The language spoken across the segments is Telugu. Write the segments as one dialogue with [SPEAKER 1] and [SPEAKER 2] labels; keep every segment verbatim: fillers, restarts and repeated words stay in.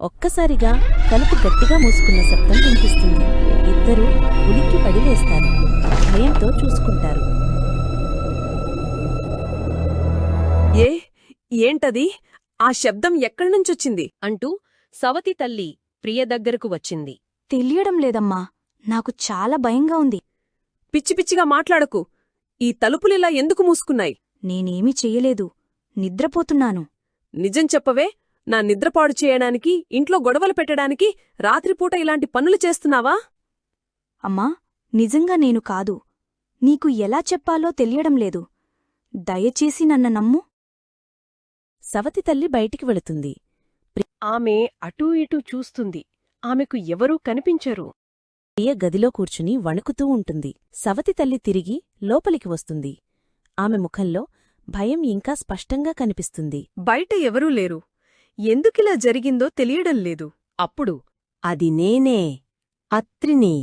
[SPEAKER 1] ఒక్కసారిగా తలుపు గట్టిగా మూసుకున్న శబ్దం వినిపిస్తుంది. ఇద్దరూ ఉలిక్కి పడి లేస్తారు. భయంతో చూసుకుంటారు.
[SPEAKER 2] ఏ ఏంటది? ఆ శబ్దం ఎక్కడ్నుంచొచ్చింది?
[SPEAKER 3] అంటూ సవతి తల్లి ప్రియ దగ్గరకు వచ్చింది.
[SPEAKER 4] తెలియడం లేదమ్మా. నాకు చాలా భయంగా ఉంది.
[SPEAKER 2] పిచ్చి పిచ్చిగా మాట్లాడకు. ఈ తలుపులిలా ఎందుకు మూసుకున్నాయి?
[SPEAKER 4] నేనేమీ చెయ్యలేదు. నిద్రపోతున్నాను.
[SPEAKER 2] నిజం చెప్పవే. నా నిద్రపాడు చేయడానికి, ఇంట్లో గొడవలు పెట్టడానికి రాత్రిపూట ఇలాంటి పనులు చేస్తున్నావా?
[SPEAKER 4] అమ్మా, నిజంగా నేను కాదు. నీకు ఎలా చెప్పాలో తెలియడం లేదు. దయచేసి నన్ను నమ్ము.
[SPEAKER 1] సవతి తల్లి బయటికి వెళుతుంది.
[SPEAKER 3] ఆమె అటూ ఇటూ చూస్తుంది. ఆమెకు ఎవరూ కనిపించరు.
[SPEAKER 1] ప్రియ గదిలో కూర్చుని వణుకుతూ ఉంటుంది. సవతి తల్లి తిరిగి లోపలికి వస్తుంది. ఆమె ముఖంలో భయం ఇంకా స్పష్టంగా కనిపిస్తుంది.
[SPEAKER 2] బయట ఎవరూ లేరు. ఎందుకిలా జరిగిందో తెలియడం లేదు.
[SPEAKER 3] అప్పుడు
[SPEAKER 1] అది నేనే, అత్రిని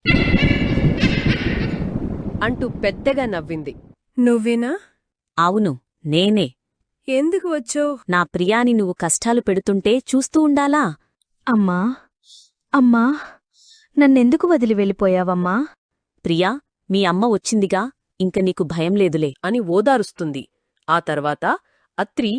[SPEAKER 3] అంటూ పెద్దగా నవ్వింది.
[SPEAKER 2] నువ్వేనా?
[SPEAKER 1] అవును, నేనే.
[SPEAKER 2] ఎందుకు వచ్చో?
[SPEAKER 1] నా ప్రియాని నువ్వు కష్టాలు పెడుతుంటే చూస్తూ ఉండాలా?
[SPEAKER 4] అమ్మా, అమ్మా, నన్నెందుకు వదిలి వెళ్ళిపోయావమ్మా?
[SPEAKER 1] ప్రియా, మీ అమ్మ వచ్చిందిగా, ఇంక నీకు భయం లేదులే
[SPEAKER 3] అని ఓదారుస్తుంది. ఆ తర్వాత అత్రి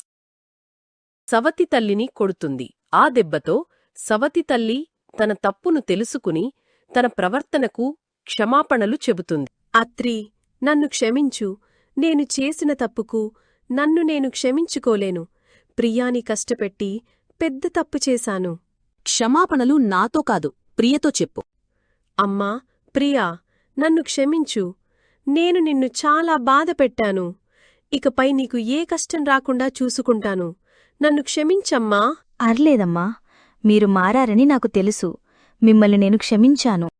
[SPEAKER 3] సవతి తల్లిని కొడుతుంది. ఆ దెబ్బతో సవతి తల్లి తన తప్పును తెలుసుకుని తన ప్రవర్తనకు క్షమాపణలు చెబుతుంది.
[SPEAKER 2] అత్రి, నన్ను క్షమించు. నేను చేసిన తప్పుకు నన్ను నేను క్షమించుకోలేను. ప్రియాని కష్టపెట్టి పెద్ద తప్పు చేశాను.
[SPEAKER 1] క్షమాపణలు నాతో కాదు, ప్రియతో చెప్పు.
[SPEAKER 2] అమ్మా, ప్రియా, నన్ను క్షమించు. నేను నిన్ను చాలా బాధపెట్టాను. ఇకపై నీకు ఏ కష్టం రాకుండా చూసుకుంటాను. నన్ను క్షమించమ్మా.
[SPEAKER 4] అర్లేదమ్మా. మీరు మారారని నాకు తెలుసు. మిమ్మల్ని నేను క్షమించాను.